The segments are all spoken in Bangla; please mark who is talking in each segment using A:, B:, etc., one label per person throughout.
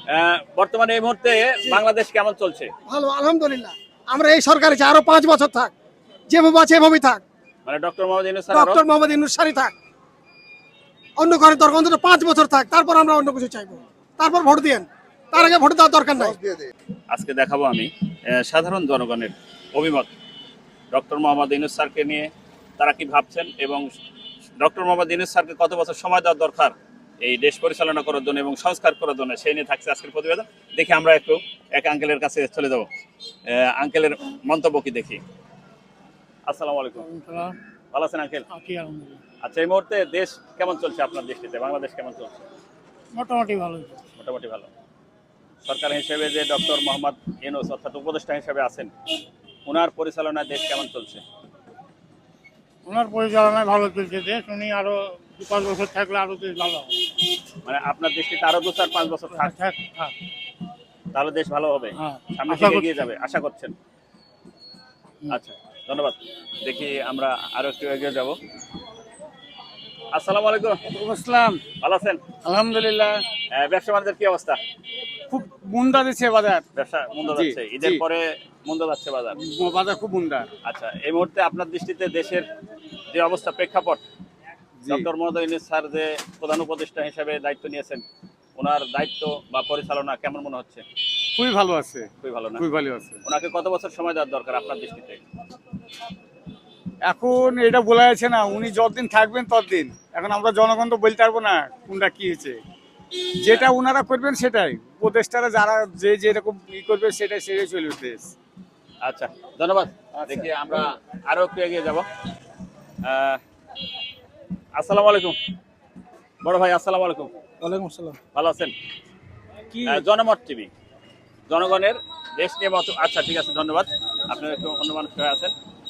A: বর্তমানে এই মুহূর্তে বাংলাদেশ কেমন চলছে?
B: ভালো, আলহামদুলিল্লাহ। আমরা এই সরকারে চাই আরো 5 বছর থাক, যেভাবে আছে এভাবেই থাক।
A: মানে doctor Mohammad Yunus sir
B: doctor Mohammad Yunus স্যারই থাক, অন্য কারো দরকার অন্তত 5 বছর থাক, তারপর আমরা অন্য কিছু চাইবো। তারপর ভোট দিয়েন, তার আগে ভোট দেওয়ার দরকার নাই।
A: আজকে দেখাবো আমি সাধারণ জনগণের অভিমত ডক্টর মোহাম্মদ ইউনূস স্যারকে নিয়ে, তারা কি ভাবছেন এবং ডক্টর মোহাম্মদ ইউনূস স্যারকে কত বছর সময় দেওয়া দরকার এই দেশ পরিচালনা করার জন্য এবং সংস্কার করার জন্য, সেই নিয়ে থাকছে আজকের প্রতিবেদন। দেখি আমরা একটু এক আঙ্কেলের কাছে চলে যাব, আঙ্কেলের মন্তব্য কি দেখি। আসসালামু আলাইকুম, ভালো আছেন আঙ্কেল? আচ্ছা, এই মুহূর্তে দেশ কেমন চলছে আপনার দৃষ্টিতে? বাংলাদেশ কেমন চলছে?
C: মোটামুটি ভালো।
A: মোটামুটি ভালো। সরকার হিসেবে যে ডক্টর মোহাম্মদ ইউনূস অর্থাৎ উপদেষ্টা হিসেবে আছেন, ওনার পরিচালনায় দেশ কেমন চলছে?
C: ওনার পরিচালনায় ভালো চলছে দেশ। উনি আরো 2-5 বছর থাকলে আরো দেশ ভালো হবে।
A: মানে আপনার দৃষ্টিতে আরো 2-4-5 বছর থাক,
C: থাক।
A: তাহলে দেশ ভালো হবে,
C: হ্যাঁ,
A: সামনে
C: আশা
A: দিকে
C: করছি।
A: এগিয়ে যাবে আশা করছেন? আচ্ছা, ধন্যবাদ। দেখি আমরা আরো একটু এগিয়ে যাব। আসসালামু আলাইকুম,
C: আসসালাম।
A: ভালো আছেন?
C: আলহামদুলিল্লাহ।
A: ব্যবসা বাণিজ্যের কি অবস্থা?
C: খুব মুন্ডা দিচ্ছে বাজার।
A: ব্যবসা মন্দ
C: জি,
A: যাচ্ছে, ঈদের
C: জি।
A: পরে মন্দ যাচ্ছে বাজার।
C: বাজার খুব মুন্ডা।
A: আচ্ছা, এই মুহূর্তে আপনার দৃষ্টিতে দেশের যে অবস্থা, প্রেক্ষাপট, ডক্টর মোহাম্মদ ইউনূস স্যার যে প্রধান উপদেষ্টা হিসেবে দায়িত্ব নিয়েছেন, ওনার দায়িত্ব বা পরিচালনা কেমন মনে হচ্ছে?
C: খুবই ভালো আছে।
A: খুবই ভালো না?
C: খুবই ভালো আছে।
A: ওনাকে কত বছর সময় দেওয়ার দরকার আপনার দৃষ্টিতে?
C: এখন এটা বলা যাচ্ছে না, উনি যতদিন থাকবেন ততদিন। এখন আমরা জনগণ তো বলতে পারবো না কোনটা কি হয়েছে। যেটা ওনারা করবেন সেটাই, উপদেষ্টারা যারা যে যেরকম ই করবে সেটাই চলবে দেশ।
A: আচ্ছা, ধন্যবাদ। দেখি আমরা আরো একটু এগিয়ে যাব। আসসালামু আলাইকুম বড় ভাই, আসসালামু আলাইকুম।
B: ওয়ালাইকুম আসসালাম।
A: ভালো আছেন?
C: কি
A: জনমত টিভি, জনগণের দেশ নিয়ে মত। আচ্ছা, ঠিক আছে, ধন্যবাদ। আপনারা একটু অন্য মানুষ হয়ে আছেন।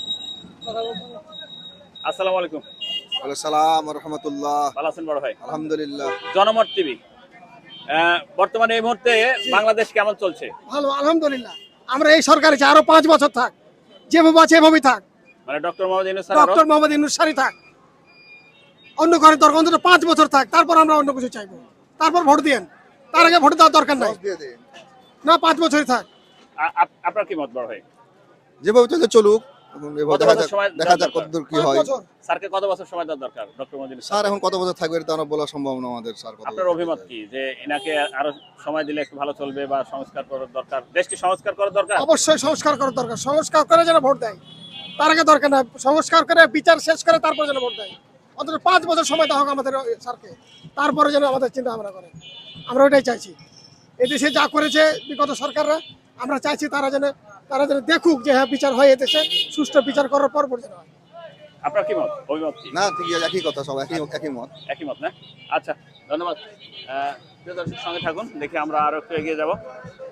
A: আসসালামু আলাইকুম।
D: সালাম রহমতুল্লাহ।
A: ভালো আছেন বড় ভাই?
D: আলহামদুলিল্লাহ।
A: জনমত টিভি, বর্তমানে এই মুহূর্তে বাংলাদেশ কেমন চলছে?
B: ভালো, আলহামদুলিল্লাহ। আমরা এই সরকারে চাই আরো 5 বছর থাক, যেভাবে আছে এভাবেই থাক।
A: মানে doctor Mohammad Yunus sir
B: doctor Mohammad Yunus স্যারই থাক, অন্য কারো দরকার অন্তত 5 বছর থাক, তারপর আমরা অন্য কিছু চাইবো। তারপর ভোট দিয়েন, তার আগে ভোট দেওয়ার দরকার নাই। না, 5 বছরই থাক।
A: আপনার কি মত বড় ভাই?
D: যেভাবে চলছে চলুক, এখন
A: কত বছর সময়
D: দেখা যাক
A: দরকার?
D: কতদূর কি
B: 5
D: হয়।
B: বছর।
A: স্যারকে কত বছর সময় দেওয়ার দরকার ডক্টর মোহাম্মদ ইউনূস
D: স্যার এখন কত বছর থাকবে এটা আমরা বলা সম্ভব না আমাদের। স্যার কত
A: আপনার অভিমত কি, যে এনাকে আরো সময় দিলে একটু ভালো চলবে বা সংস্কার করার দরকার, দেশকে সংস্কার করার দরকার?
B: অবশ্যই সংস্কার করার দরকার। সংস্কার করে যেন ভোট দেয়, তার আগে দরকার না। সংস্কার করে বিচার শেষ করে তারপর যেন ভোট দেয়। অন্তত 5 বছর সময় দেওয়া হোক আমাদের স্যারকে, তারপরে যেন আমাদের চিন্তা ভাবনা করে। আমরা ওইটাই চাইছি। এদেশে যা করেছে বিগত সরকাররা, আমরা চাইছি তারা যেন দেখুক যে হ্যাঁ, বিচার হয় এদেশে, সুষ্ঠু বিচার করার পর যেন হয়।
A: আপনার কি মত, অভিমত কি?
D: না, ঠিক আছে, একই কথা, সব একই মত।
A: একই মত না? আচ্ছা, ধন্যবাদ। প্রিয় দর্শক, সঙ্গে থাকুন, দেখি আমরা আরো একটু এগিয়ে যাব।